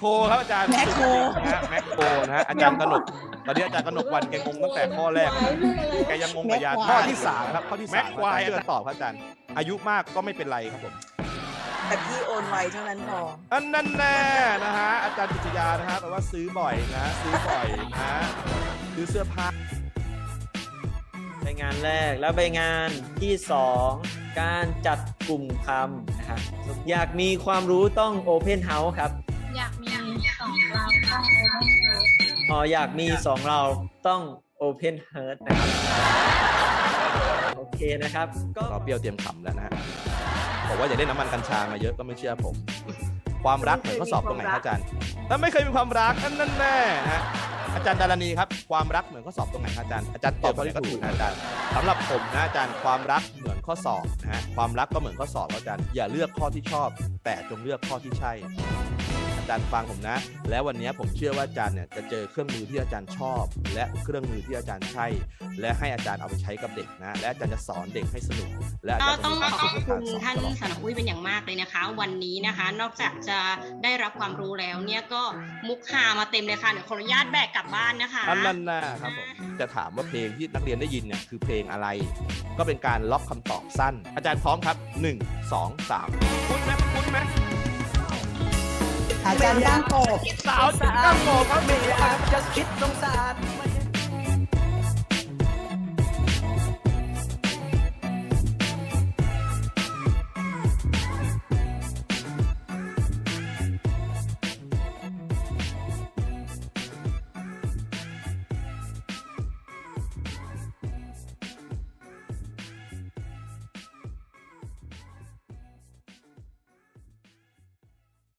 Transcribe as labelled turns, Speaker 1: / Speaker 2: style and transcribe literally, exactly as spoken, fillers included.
Speaker 1: รครับอาจารย์
Speaker 2: แมคโคร
Speaker 1: นะฮะแมคโครนะฮะอาจารย์กนกตอนนี้อาจารย์กนกวันแกงงตั้งแต่ข้อแรกแกยังงงกับยาข้อที่สามครับข้อที่สามควายเชื่อตอบครับอาจารย์อายุมากก็ไม่เป็นไรครับผม
Speaker 2: แต่พี่โอนไวเท่านั้นพอ
Speaker 1: อันนั้นแน่นะฮะอาจารย์ปิชยานะฮะแปลว่าซื้อบ่อยนะฮะซื้อบ่อยนะฮะซื้อเสื้อผ้า
Speaker 3: ใบงานแรกแล้วใบงานที่สองการจัดกลุ่มคำนะครับอยากมีความรู้ต้อง Open House ครับ
Speaker 4: อยากมีสองเราต้อง Open House
Speaker 3: อ๋ออยากมีสองเราต้อง Open Heart นะครับโอเคนะครับก็
Speaker 1: เราเปรี้ยวเตรียมขำแล้วนะฮะบอกว่าอย่าได้น้ำมันกัญชามาเยอะก็ไม่เชื่อผม ความรักเหมือนข้อสอบตรงไหนครับอาจารย์ถ้าไม่เคยมีความรักอันนั้นแน่ฮะอาจารย์ดารณีครับความรักเหมือนข้อสอบตรงไหนครับอาจารย์อาจารย์ตอบข้อที่ถูกนะอาจารย์สำหรับผมนะอาจารย์ความรักเหมือนข้อสอบนะฮะความรักก็เหมือนข้อสอบครับอาจารย์อย่าเลือกข้อที่ชอบ แต่จงเลือกข้อที่ใช่อาจารย์ฟังผมนะ แล้ววันนี้ผมเชื่อว่าอาจารย์เนี่ยจะเจอเครื่องมือที่อาจารย์ชอบ และเครื่องมือที่อาจารย์ใช่และให้อาจารย์เอาไปใช้กับเด็กนะและอาจารย์จะสอนเด็กให้สนุกและอาจารย์จะ
Speaker 5: ต้อง
Speaker 1: มี
Speaker 5: ข
Speaker 1: ความ
Speaker 5: อบ
Speaker 1: สุขกับ
Speaker 5: คุ
Speaker 1: การ
Speaker 5: ณ
Speaker 1: สอน
Speaker 5: ท่าน
Speaker 1: ตลอด
Speaker 5: สนอุ้ยเป็นอย่างมากเลยนะคะ วันนี้นะคะ นอกจากจะได้รับความรู้แล้วเนี่ยก็มุกฮามาเต็มเลยค่ะเดี๋ยวขออนุญาตแบกกลับบ้านนะคะ
Speaker 1: อันนั้นนะครับผมจะถามว่าเพลงที่นักเรียนได้ยินเนี่ยคือเพลงอะไร ก็เป็นการล็อกคำตอบสั้น อาจารย์พร้อมครับหนึ่ง สอง สามคุ้นไหมคุ้นไหม
Speaker 2: อาจารย์ก้างโกบ
Speaker 1: สาวถึงก้างโกบครับ
Speaker 6: ไม่อยากจะคิดสงสาร